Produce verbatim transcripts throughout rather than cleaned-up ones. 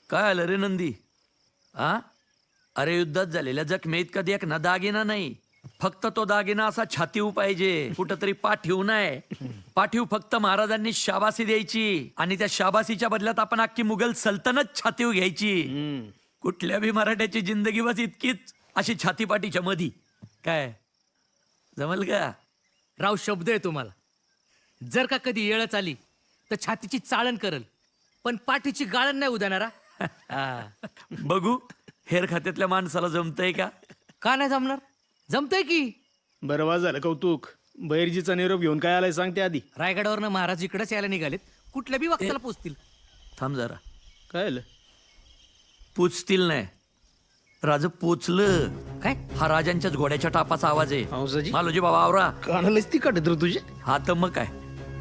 काय आलं रे नंदी? आ अरे युद्धात झालेल्या जखमेत कधी एक ना दागिना नाही, फक्त तो दागिना असा छातीव पाहिजे, कुठंतरी पाठीव नाही. पाठीव फक्त महाराजांनी शाबासी द्यायची आणि त्या शाबासीच्या बदल्यात आपण अख्खी मुघल सल्तनत छातीव घ्यायची. कुठल्या बी मराठ्याची जिंदगी बस इतकीच अशी छातीपाठीच्या मधी. काय जमल का? राव शब्द आहे तुम्हाला. जर का कधी येळच आली तर छातीची चाळण करल, पण पाठीची गाळण नाही उदानारा. बघू हेर खात्यातल्या माणसाला जमतंय का? का नाही जमणार? जमतंय की. बरं वा झालं कौतुक. बैरजीचा निरोप घेऊन काय आलाय सांगते आधी. रायगडावरनं महाराज इकडेच यायला निघालेत, कुठल्या बी वक्ताला पोचतील. थांब जरा. काय आलं? पोचतील नाही, राज पोचलं. काय? हा राजांच्याच घोड्याच्या टापाचा आवाज आहे. हंसाजी? मालोजी बाबा आवरा. कानालाच ती काढत रे तुझे. हा तर मग काय.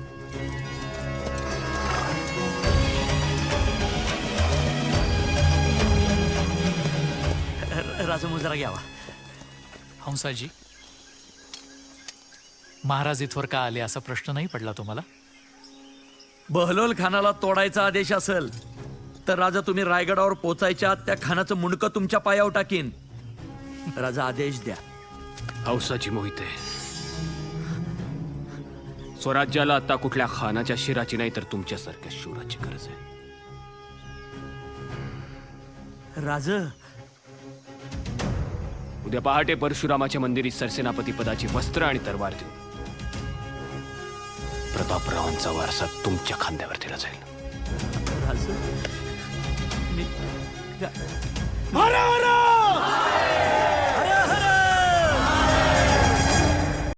राजा मुजरा घ्यावा. हंसाजी, महाराज इथवर का आले असा प्रश्न नाही पडला तुम्हाला? बहलोल खानाला तोडायचा आदेश असेल तर राजा तुम्ही रायगडावर पोचायच्या त्या खानाचं मुंडकं तुमच्या पायावर टाकीन. राजा आदेश द्या. हौसाची मोहिते, स्वराज्याला आता कुठल्या खानाच्या शिराची नाही तर तुमच्यासारख्या शूराची गरज आहे. राज उद्या पहाटे परशुरामाच्या मंदिरी सरसेनापती पदाची वस्त्र आणि तरवार देऊन प्रतापरावांचा वारसा तुमच्या खांद्यावर दिला जाईल. राज मी मारा मारा